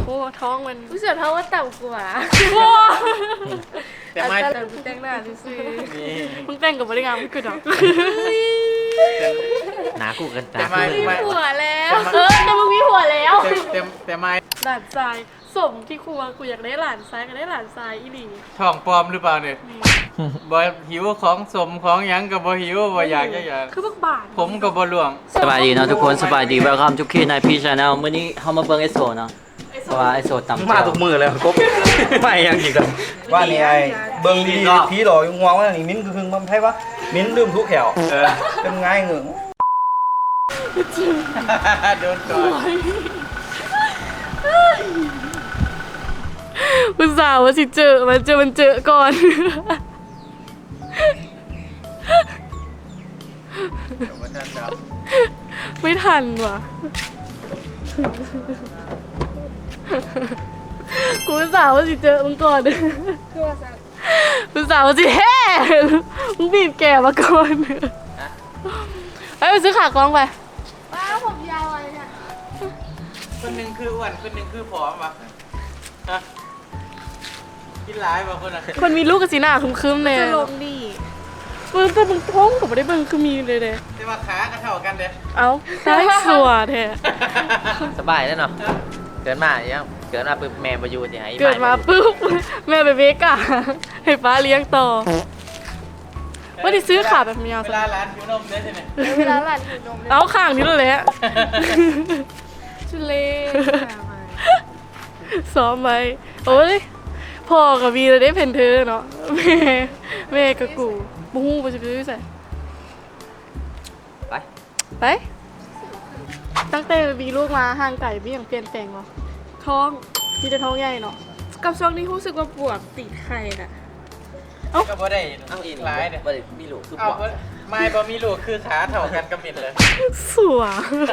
อ้ท้องมันรู้สึกท้องว่าต่ำกว่าแต่ไม่แต่กูแต่งหน้าซื่อมึงแต่งกับบริการไม่คือดอกหนากูกันแต่ตาไม่ๆมีไม่ผัวแล้วแต่มึงมีผัวแล้วแต่ไม่หลานทรายสมที่ครัวกูอยากได้หลานทรายก็ได้หลานทรายอีหลีท้องปลอมหรือเปล่าเนี่ยบ่หิวของสมของหยังกับบ่หิวบ่อยากจะอยากคือบักบาทผมกับบ่หลวงสบายดีเนาะทุกคนสบายดี welcome to Kid Night P Channel มื้อนี้เฮามาเบิ่งไอโซเนาะเพราะว่าไอโซตำมาทุกมือเลยกบไม่ยังอีกแล้วว่านี่ไอ้เบิ่งดีๆผีหลอกงวงว่านี่มิ้นคือมันไผวะมิ้นลืมทุกแขวเป็นง่ายเหงืองโดนก่อนอุตส่าห์ว่าสิเจอมันเจอก่อนเดี๋ยวมาทันดาวไม่ทันว่ะ กูอุตส่าห์ว่าสิเจอมึงก่อนคือว่าสักอุตส่าห์ว่าสิแฮ่มึงบีบแกมาก่อนไปซื้อขากล้องไปว้าวผมยาวอะไรเนี่ยคนหนึงคืออ้วนคนหนึงคือผอมวะฮะกินหลายบ่คนน่ะคนมีลูกกับสีหน้าคึมๆเนี่ยจะลงดีมึงแต่มึงท้องกับไม่ได้เบิ่งคือมีเลยเด้แต่ว่าขาก็เท่ากันเด้เอ้าได้สัวแท้สบายแล้วเนาะเกิดมาอย่างเกิดมาปึ๊บแม่บ่อยู่สิให้เกิดมาปุ๊บแม่ไปเบกะให้ป้าเลี้ยงต่อว่าได้ซื้อขาแบบยาวเวสัลาร้านหิวนมเด้ใช่ไหมเวลาหลานหิวนมเลยเอาข้างนี้เลยแหละชุเล่ซ้อมไว้โอ้ยพ่อกับวีเลยได้เพนเธอเนาะแม่กับกูบูฮู้ไปซื้อใส่ไปไปตั้งแต่มีลูกมาห่างไก่ไม่ยังเปลี่ยนแปลงหรอท้องมีแต่ท้องใหญ่เนาะกับช่วงนี้รู้สึกว่าปวดติดไข่น่ะก็บ่ได้เอาอีกหลายเด้บ่ได้มีลูกคือเอาบ่ไม่บ่มีลูกคือขาเท่ากันกับมิดเลยสัว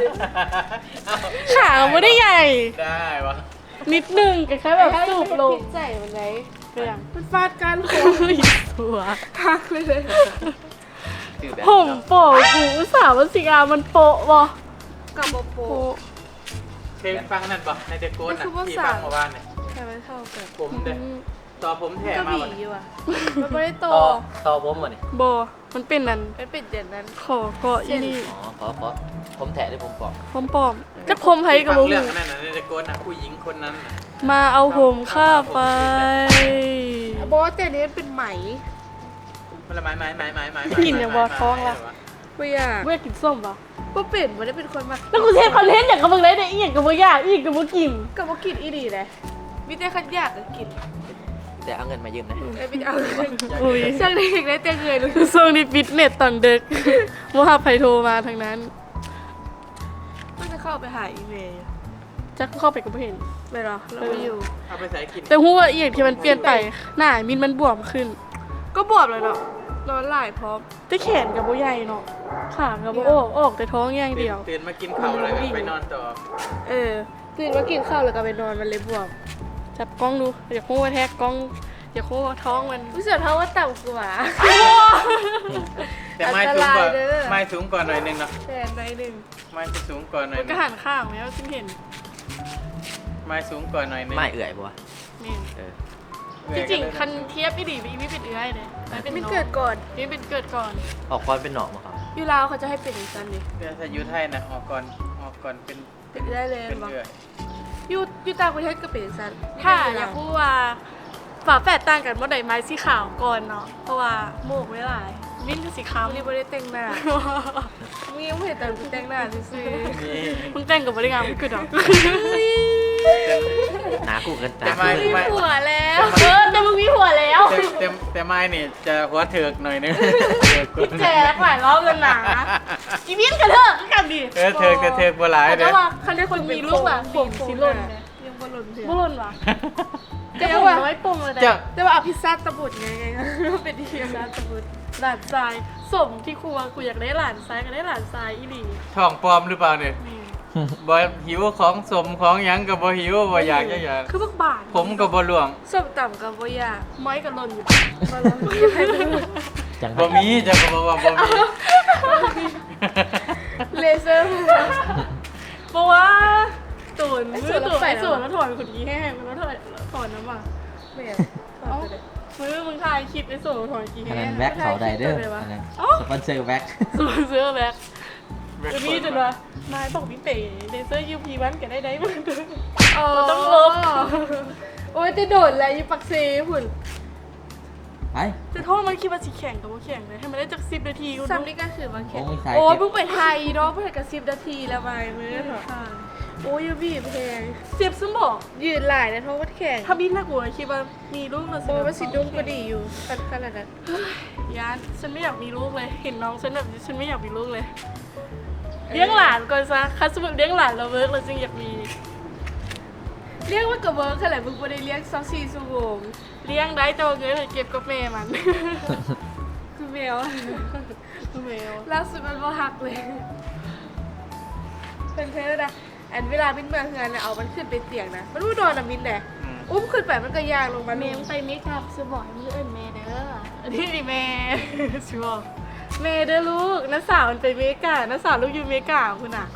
ขาไม่ได้ใหญ่ได้วะนิดนึงแค่แบบสูบลงพิษใจมันไงก็ยังมันฟาดกันโคสัวหักเลยคือแบบผมโปะกูอุตส่าห์ว่าสิอามันโปะบ่กับโปโปโปะเคยฟังนั่นปะในเดโกนน่ะมันคือว่าที่สาฟัมงเมื่อวานเนี่ยแค่ไม่เท่ากันผมเด้ต่อผมแถก็มาบีวันอยู่อ่ะมันไม่ได้โตต่อผมบ่นี่บ่มันเป็นนั่นไม่เป็นเด่นนั้นขอเกาะอีนี่อ๋อขอผมแถได้ผมปอกผมปลอมจะพมไผกับฟับ่งเรื่ฮู้องนั้นน่ะในเดโกนน่ะผู้หญิงคนนั้นน่ะมาเอาผมข้าไปโบสแต่นี้เป็นไหมมันละไม้กินอย่างบ่ท้องละไม่อยากเว้ยกินส้มบ่ก็เปลี่ยนไม่ได้เป็นคนมาแล้วกูเทปคอนเทนต์อย่างกับมึงเลยเนี่ยอีหยังกับบ่อยากอีกกับบ่กินกับว่ากินอีดีเลยมิแต่ขันอยากก็กินแต่เอาเงินมายืมนะไอ้ไม่เอาอุ้ยช่างเด็กได้เตียงเงยเลยช่วงนี้ฟิตเนสตอนดึกบ่หาไผโทรมาทางนั้นมันจะเข้าไปหาอีเมลจักเข้าไปก็บ่เห็นไม่หรอเราไม่อยู่เอาไปใส่กินแต่ฮู้ว่าอีหยังที่มันเปลี่ยนไปหน้ามินมันบวมขึ้นก็บวมเลยเนาะนอนหลายพร้อมแต่แขนกับบ่ใหญ่เนาะขากับบ่ออกแต่ท้องอย่างเดียวตื่นมากินข้าวแล้วก็ไปนอนต่อตื่นมากินข้าวแล้วก็ไปนอนมันเลยบวมจับกล้องดูอยากฮู้ว่าแท็กกล้องอยากฮู้ว่าท้องมันรู้สึกท้องว่าต่ำกว่าแต่ไม้สูงกว่าอันตรายเด้อไม้สูงกว่าหน่อยนึงเนาะแต่ในหนึ่งไม้จะสูงกว่าหน่อยมันนึก็งหันข้างแล้วฉันเห็นไม้สูงกว่าหน่อยนึงไม่เอื่อยบ่วะนี่เออจริงๆคันเทียบอีดีอีไม่เป็นเอื้อยเลยเป็นไม่น้องเกิดก่อนนี่เป็นเกิดก่อนออกคอนเป็นหนอกบ่ครับอยู่ลาวเขาจะให้เป็นอย่างนั้นดิเดี๋ยวถ้าอยู่ไทยนะออกก่อนเป็นเป็นได้เลยเป็นบอกเอื่อยอยู่ต่างประเทศก็เป็นอย่างนั้นถ้าอยากพูดว่าฝาแฝดต่างกันว่าใดไม้สีขาวก่อนเนาะเพราะว่าโมกไม่หลายมิ้นคือสีขาวนี่ไม่ได้แต่งหน้ามึงยังไม่เห็นแต่กูแต่งหน้าซื่อนี่มึงแต่งกับบริการไม่คือดอกหนากูกันตาแต่ไม้ๆมีผัวแล้วแต่มึงมีผัวแล้วแต่ไม้นี่จะหัวเถิกหน่อยนึงแจกหลายรอบแล้วนะอีมิ้นกับเธอก็กันดิเถิกบ่หลายแต่เด้อว่าคันได้คนมีลูกอะผมสีหล่นเนี่ยยังบอลลูนเถื่บ่หล่นวะแต่แต่ว่าผมน้อยปงเลยเจ้าแต่ว่าเอาพิซซ่าตะบุดไงเป็นดีพิซซ่าตะบุดหลานทรายสมที่ครัวกูอยากได้หลานทรายก็ได้หลานทรายอีหลีท้องปลอมหรือเปล่าเนี่ยนี่บ่หิวของสมของหยังกับบ่หิวบ่อยากจะอยากคือบักบาทผมกับบ่หลวงส้มต่ำกับบ่ยากไม้กับหล่นอยู่บอลลูนยังให้ดูจังบ่มีจะก็บอกว่าบ่มีเลเซอร์เพราะว่าตูนมือตูนไอ้ส่วนแล้วถอนขุนกี้แห้งแล้วถอนน้ำอ่ะแม่เอ้ามือมึงถ่ายคลิปไอ้ส่วนถอนกี้อันแห้นั้งนแว็กเขาได้เด้ออันนั้นสปอนเซอร์แว็กส่วนเสื้อแบ็คจะมีจนว่านายบอกพี่เป๋เลเซอร์ยูพีวันกันได้มึงต้องลบโอ้ยจะโดดแล้วอยู่ปักเซ่หุ่นไปจะโทษมันคิดว่าสิแข่งกับว่าแข่งเลยให้มันได้จาก10 นาทีกูซ้ำนี่ก็คือมาแข่โอ้งยสายโอ้ยเก็บเพิ่งไปไทยเนาะเพิ่งกับ10 นาทีแล้วไปมือเถอะโอ้ยยูบีแพง 10ซึ่งบอกยืนหลายนะเพราะว่าแข่งถ้าบินน่ากลัวคิดว่ามีลูกมาโอ้ยว่าสิดุ้งก็ดีอยู่ขนาดนั้นยานฉันไม่อยากมีลูกเลย เห็นน้องฉันแบบนี้ฉันไม่อยากมีลูกเลย เลี้ยงหลานก่อนซะคัสมุดเลี้ยงหลานเราเวิร์กเราจึงอยากมีเรียกว่ากับเวิร์คขนาดมึงไม่ได้เรียก24 ชั่วโมงเลี้ยงได้แต่ว่าเงินเก็บกับแม่มันคือแมวแมวล่าสุดมันบ่หักเลยเป็นเพศนะอันเวลาบินมาเฮือนนะเอามันขึ้นไปเตียงนะมันรู้นอนนะบินแหละอุ้มขึ้นไปมันก็ยางลงมาแม่ไปเมคอัพซื้อบอกให้มือเอิญแม่เด้อนี่ดิแม่ ชิบอกแม่เด้อลูกน้าสาวมันไปเมกาน้าสาวลูกอยู่เมกาคุณอ่ะ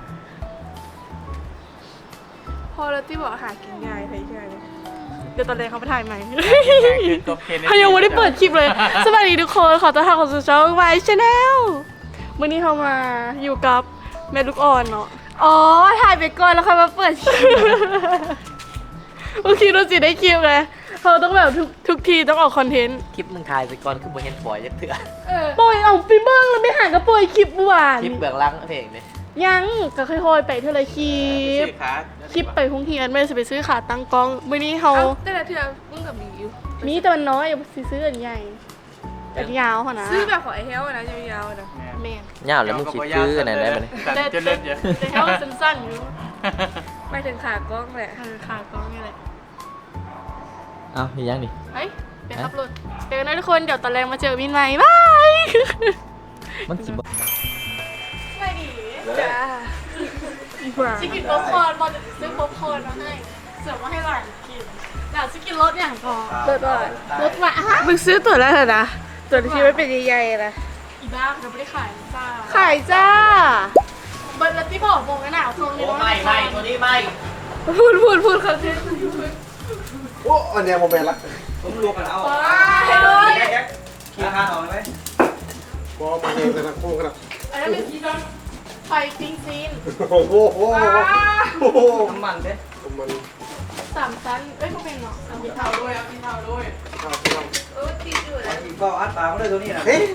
พอแล้วที่บอกหากินง่ายใช่ไหมเดี๋ยวตอนแรกเขาไปถ่ายใหม่จบเคนเขายังไม่ได้เปิดคลิปเลย สวัสดีทุกคน ขอต้อนรับเข้าสู่ช่องไวชแนลวันนี้เขามาอยู่กับแม่ลูกอ่อนเนาะอ๋อถ่ายไปก่อนแล้วค่อยมาเปิดคลิปโอเคเราสิได้คลิปเลยเขาต้องแบบทุกทีต้องออกคอนเทนต์คลิปมึงถ่ายไปก่อนคือบ่เห็นปล่อยจะเถื่อปล่อยเอาไปเบิ้งแล้วไปหากระปล่อยคลิปเมื่อวานคลิปเบื้องหลังเพลงเลยยังก็ค่อยๆไปเท่าไรคลิปชื่อคัสคลิปไปพุ่งเทียนไม่ได้จะไปซื้อขาตั้งกล้องวันนี้เขาเอาแต่ละเทือมึงกับมีอยู่มีแต่มันน้อยอย่าไปซื้ออันใหญ่อันยาวขนาดซื้อแบบของไอ้เฮลนะยาวๆนะแม่นยาวแล้วมึงคิดคืออันไหนได้บ่เนี่ยแต่จะเล่นเยอะแต่เขาสั้นๆอยู่ไปถึงขากล้องแหละขากล้องนี่แหละอ้าวยังดิเฮ้ยไปขับรถเจอกันนะทุกคนเดี๋ยวตอนแรงมาเจอมินใหม่บายมันสิบ่ไม่ดีจ้าชิคกินป๊อปคอร์นบอลจะซื้อป๊อปคอร์นมาให้เสิร์ฟมาให้หลานกินหลานจะกินรสอย่างพอตัวตัวรสหวานฮะมึงซื้อตัวแล้วเหรอนะตัวที่ไม่เป็นใหญ่ๆนะอีบ้าเราไม่ได้ขายจ้าขายจ้าเบิร์ดแล้วที่บอกโมงกันหนาวทรงนี้ไม่ตัวนี้ไม่พูดคำเทนโอ้อันเนี้ยโมเมนต์ละผมรวมกันเอาให้เลยขี้ข้าเอาไหมพอมาเองกันนะคู่กันนะอันนั้นเป็นสีดำไฟปิ้งซีนโอ้โหโอ้โหน้ำมันเด้มัน 3 ชั้นเอ้ยพวกเป็นเนาะ3 เท่าด้วยเอากินเท่าด้วยข้าวข้าวติดอยู่นะกินก็อัดปากมาเลยตัวนี้นะเฮ้ย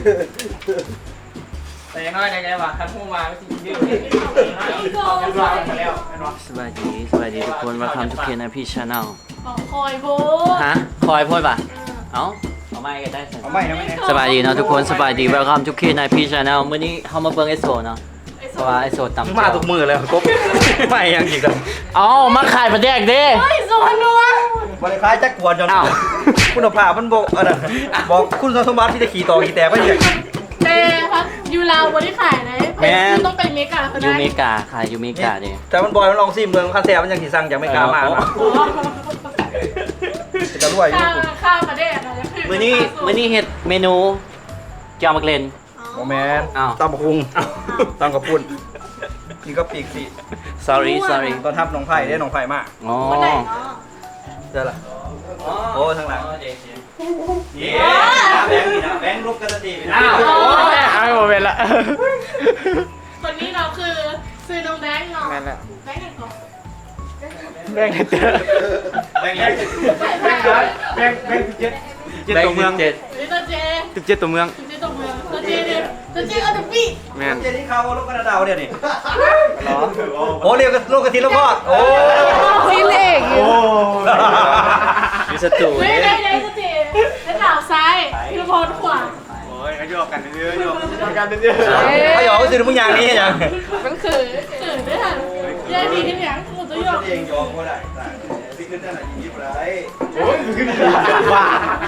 แต่ยังน้อยในไงวะคันหูมาไม่จริงยืดอีกก่อนมาแล้วไอ้น้องสวัสดีทุกคน welcome to KNP channel คอยโบฮะคอยพูดป่ะเอ้าเอาไม่ก็ได้สิเอาไม่นะไม่นะสบายดีเนาะทุกคนสบายดี welcome to KNP channel มื้อนี้เฮามาเบิ่งไอโซเนาะเพราะว่าไอโซตำมาทุกมือเลยกบไม่ยังอีกแล้วเอ้ามาขายประแดกเด้เฮ้ยโซนนัวบริการจักกวนจนอ้าวคุณภาพมันบอกอะไรบอกคุณสมบัติที่จะขี่ต่อขี่แต่ไม่ใช่แต่พักยูราวบริขายไหนแม่คือต้องไปเมกาเขายูได้เมกาขายยูเมกาดิแต่มันบอยมันลองซิมเมืองคันแซ่มันยังขี่สั่งจากไม่กล้ามานะจะรวยอยู่ข้าวมาได้อะไรมื้อนี้เฮ็ดเมนูแจ่วมักเลนโมแมนอ้าวตำบักหุงตำกับปุ่นนี่ก็ปีกสิ sorry ตอนทับน้องไผ่ได้น้องไผ่มากอ๋อคนไหนเนาะเจอละโอ้ทางหลังเย้แบงค์นี่นะแบงค์รูปกันตีไปนะอ้าวโอ้ยเอาโมเมนต์ละคนนี้เราคือซื้อน้องแบงค์เนาะแม่นละแบงค์กันก่อนแบ่งกันเจอแบงค์แบ่งเจ็ดตัวเมืองเจ็ดนี่ตัวเจ 17ตัวเมืองตัวเจตกเมืองตัวเจเนี่ยตัวเจเอาแต่ปีแม่นเจนี่เขาลูกกระดาวเนี่ยนี่หรอโอ้เรียกลูกกระทิแล้วพ่อโอ้ซีเล็กอยู่มีสตูไม่ได้ตัวเจแล้วหนาวซ้ายพี่พรขวาโอ้ยก็โยกกันเยอะๆโยกกันเยอะเขาหยอกก็ซื้อมึงอย่างนี้ยังมันคือได้ทันยายดีขึ้นยังหมดตัวหยอกเองยอมก็ได้พี่ขึ้นได้ไหนยิ้มไรๆโอ้ยขึ้นว่า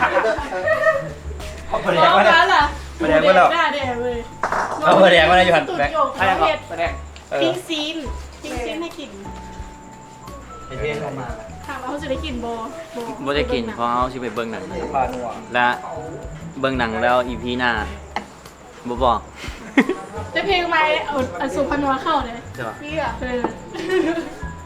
เขาแผลร้องมาเนี่ยแล้วล่ะแผลมาแล้วหน้าแดงเลยเอาแผลมาแล้วอยู่หันตุ่แบนงโยกอะไรเขาก่อนเห็ดไปแดงปิ้งซีนให้กินเป็นเรื่องเข้ามาถามว่าเขาจะได้กินโบบ่ได้กินเพราะเฮาสิไปเบิ่งหนังพานัวและเบิ่งหนังแล้ว EP หน้าบ่บอกจะเพลงไหมเอาสุพรรณวาเข้าเลยใช่ป่ะพี่อ่ะ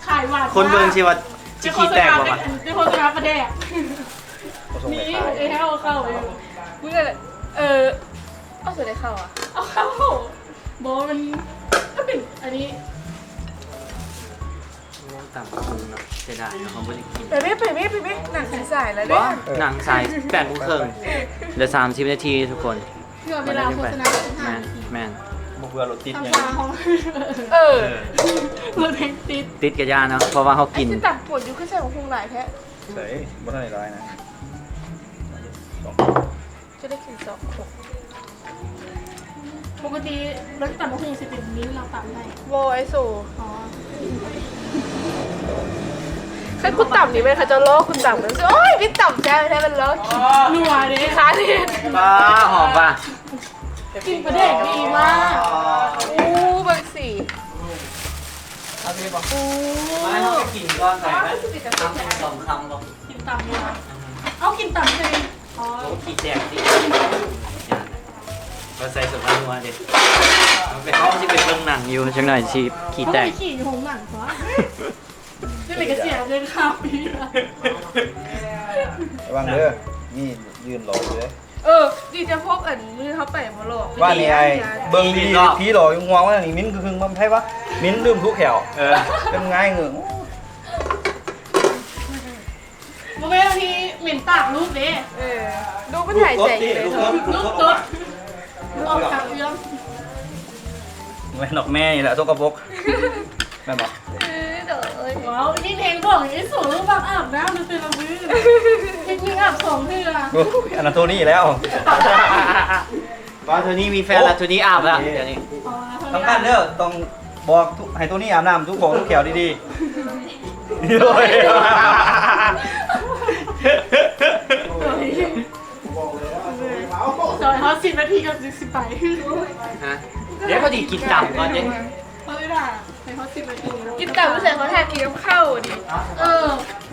ขายหวานคนเบิ่งสิว่าสิขี้แตกบ่วะเป็นโฆษณาประเดกเขาส่งไปนี่ขายไอ้เข้าเข้าอยู่มึงอะไรเอาสุดได้เข้าอ่ะเอาเข้าบอกว่ามันก็เป็นอันนี้ต่ำคุงเนาะเสียดายเนาะเขาบ่ได้กินไปไม่หนังสีสายแล้วเนี่บ่ยหนังสาย8 โมงครึ่งเหลือ30 นาทีทุกคนเพื่อเวลาโฆษณาเป็น5 แม่นนาทีแม่นบ่เบื่อรถติดทำไงตาของเออรถแท็กซี่ติดกับยาเนาะเพราะว่าเขาไอ้กินที่ตัดปวดอยู่ขึ้นใส่ของพุงหลายแท้เฮ้ยบ่ทันได้ร้ายนะจะได้กิน2 ขวดปกติรถตัดมะฮุงสิเป็นมิ้นท์เราตัดให้โวไอโซอ๋อใครคุณต่ำนี่ไหมคะจะล้อคุณต่ำมันโอ้ยพี่ต่ำแท้แท้มันล้อนัวเด้ค้าเนี่ยบ้าหอมป่ะกินประเดกดีมากอู้บางสีเอาไปบ่ไม่เขาไปกินก่อนใส่ไหมทำ2 คำบ่กินต่ำเลยเอากินต่ำเลยอ๋อโอ้ขี้แตกดิก็ใส่สมนัวเด็ดมันเป็นห้องที่เป็นเบื้องหนังอยู่จังหน่อยชีขี้แตกเขาไปขี่อยู่หงหนังซะนี่เลยก็เสียเงินค่าปีละระวังเด้อนี่ยืนรออยู่เลยดีจะพกอันมือเขาไปมาหลอกว่านี่ไอ้เบิ่งดีๆผีหลอกอยู่งวงว่านี่มิ้นคือมันไผวะมิ้นลืมทุกแขวเป็นไงเหงืองโมเมนต์ที่เหม็นปากลูกเด้ดูมันถ่ายใจอยู่เลยลูกตุ๊ดออกจากเรื่องแม่นอกแม่นี่แหละตัวกระปกแม่นบอกเดี๋ยวเอ้ยว้าวนี่เพลงบอกไอ้สูงลูกบักอาบน้ำมันเป็นระบื้อเพลงยิงอาบ2 เทื่อโอ้ยอันนั้นตัวนี้แล้วว่าโทนี่มีแฟนแล้วโทนี่อาบแล้วเดี๋ยวนี้อ๋อสำคัญเด้อต้องบอกให้ตัวนี้อาบน้ำทุกบอกทุกแขวดีๆโอ้ยซอยเขา10 นาทีกับ10 ไปฮะเดี๋ยวพอดีกินต่ำก่อนเด้เขาไม่ได้ให้เขา10 นาทีกินต่ำไม่ใส่เขาแทนกินกับข้าวดิเออ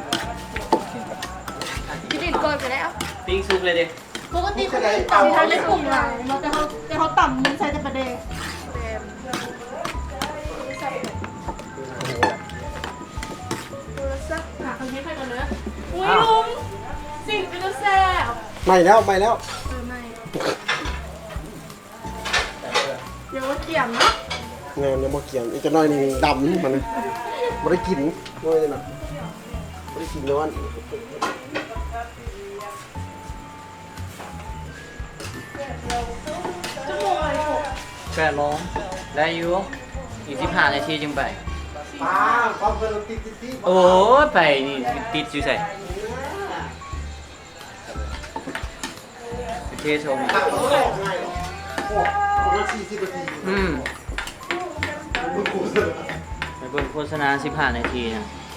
กินดินก่อนไปแล้วปิ้งซุปเลยเด้ปกติเขาจะต่ำทางในกลุ่มเราแต่เขาต่ำมันใส่แต่ประเดกหาคนนี้ใครก่อนเนอะอุ้ยลุงสิ่งเป็นตัวแซ่บไม่แล้วไม่เดี๋ยวว่าเกี่ยมเนาะงานเนี่ยมาเกี่ยงอีกจะน้อยนี่ดำนี่มันไม่ได้กินน้อยเลยนะไม่ได้กินเลยวันชั่วโมงอะไรหก 8 โมงได้อยู่อีก15 นาทีจึงไปป้าความเป็นติดที่โอ้ยไปนี่ติดอยู่ใส่โอเคชมง่ายหรอโอ้คนละ40 นาทีไปเบิ่งโฆษณา15 นาทีนะ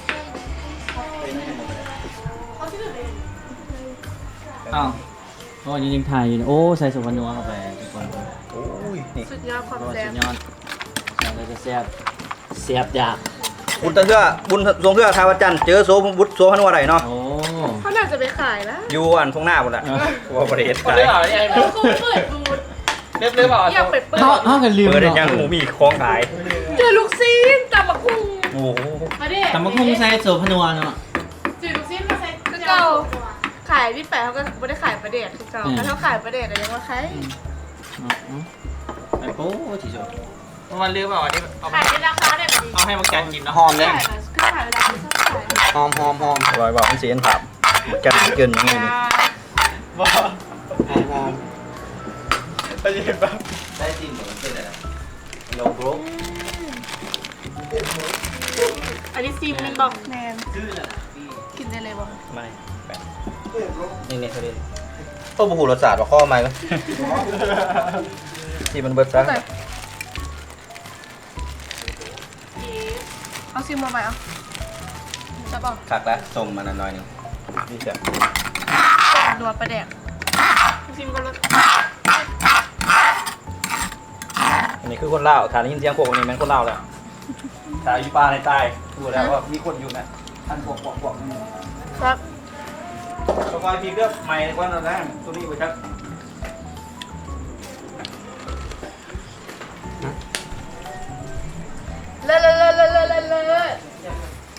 เขาชื่ออะไรอ้าวโอ้ยยังถ่ายอยู่นะโอ้ใส่สุพรรณนัวเข้าไปทุกคนโอ้ยนี่สุดยอดความโอ้แซ่สุบดยอดเราจะแซ่บแซ่บอยากบุญตะเทื่อบุญทรงเทื่อทาวัดจันทร์เจอโซบุตรโซพนัวไหนเนาะโอ้เขาน่าจะไปขายนะอยู่อันทงหน้าหมดแหละว่าประเทศไทยเขาคงเปิดบูธเรียบร้อยอยากไปเปิดเขากันลืมเปิดได้เนาะยังหมูมีของขายเจอลูกซีนตำบักหุ่งโอ้โหมาดิแต่มันคงใส่สุพรรณนัวเนาะจืดลูกชิ้นมาใส่คือเก่าขายที่แปะเขาก็ไม่ได้ขายประเดชคือเก่าแต่เขาขายประเดชแต่ยังว่าใครไอ้โป้ที่สุดมันลืมเอาอันนี้เอาขายในราคาได้แบบนี้เอาให้มันแกนกินเนาะหอมเลยขายแบบคือขายเวลาที่ชอบขายหอมหอมหอมลอยบอกมันเสียนผับจัดเกินอย่างนี้นี่ว้าหอมหอมไปยิบแบบได้จริงเหมือนเป็นอะไรโลโก้อันนี้ซีมมันบอกแมนชื่ออะไรกินได้เลยบอกไม่แปะนี่นี่เขาเรียกโอ้โหรสชาติว่าข้อใหม่ก็ที่มันเบิดซะเอาซิมมาใหม่เอาจะบอกคักแล้วส้มมันหน่อยนึงนี่จ้ะนัวประเดชซีมก็รสอันนี้คือคนลาวฐานได้ยินเสียงพวกนี้แม่นคนลาวแล้วฐานอยู่ป่าในใต้ดูแล้วว่ามีคนอยู่นะท่านพวกนี่ครับต้องคอยพีเลือกใหม่ในวันนั้นนะตัวนี้ไปชักเลอะ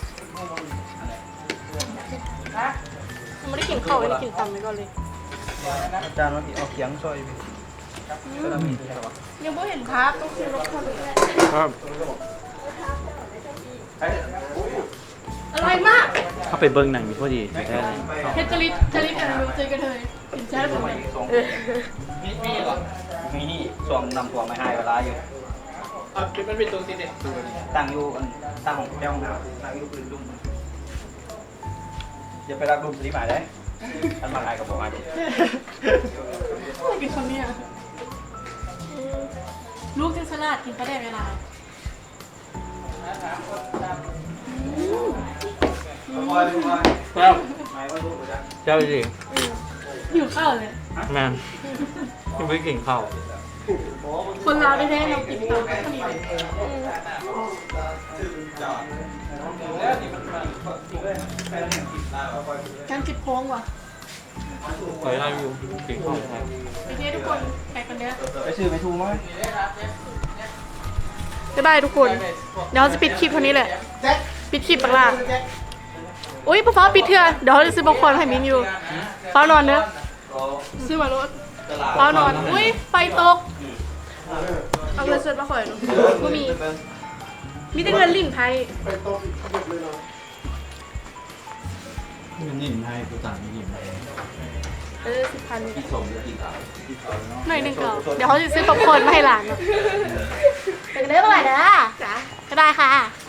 ไม่ได้กินข้าวไม่ได้กินตำไปก่อนเลยอาจารย์ว่าเอาเขียงซอยก็ทำมีตัวยังไม่เห็นภาพต้องซื้อรถคันนี้แหละครับอร่อยมากเข้าไปเบิ่งหนังอยู่พอดีแท้เลยเฮดจริตกันดูเจอกันเลยกินแช่ผมเลยมีเหรอมีนี่ส่วงนำตัวไม่ให้เวลาอยู่มันเป็นตัวติดเด็ดตั้งอยู่ตั้งของแก้วของเราตั้งอยู่ปืนดุ้มอย่าไปรักดุ้มสีหมายได้ท่านมาลายกับผมมาดิกินคนนี้ลูกเทสลาดกินประเดี๋ยวเวลาครับเจ้าจริงหิวข้าวเลยแม่ยังไม่กินข้าวคนลาวได้แน่เรากินตำก็มีการกินโค้งว่ะเคยได้อยู่กินข้าวแท้ไปเที่ยวทุกคนไปกันเด้อไปซื้อไปทูมั้ยบ๊ายบายทุกคน เดี๋ยวเราจะปิดคลิปเท่านี้แหละ ปิดคลิปปากล่าอุ้ยพ่อฟ้าปิดเถอะเดี๋ยวเราจะซื้อบอลคอนให้มินอยู่ฟ้านอนเนอะซื้อมารถฟ้านอน อุ้ยไฟตกเอาเงินสดมาขอยหนูก็มี มีแต่เงินลิ่นไทยไปโต๊ะหยุดเลยเนาะมันยิ้มให้กูต่างยิ้มให้ 10,000 หน่อยหนึงก่อนเดี๋ยวเขาจะซื้อป๊อปคอร์นมาให้หลานเนอะไปกันเด้อเมื่อไหร่นะจ้ะก็ได้ค่ะ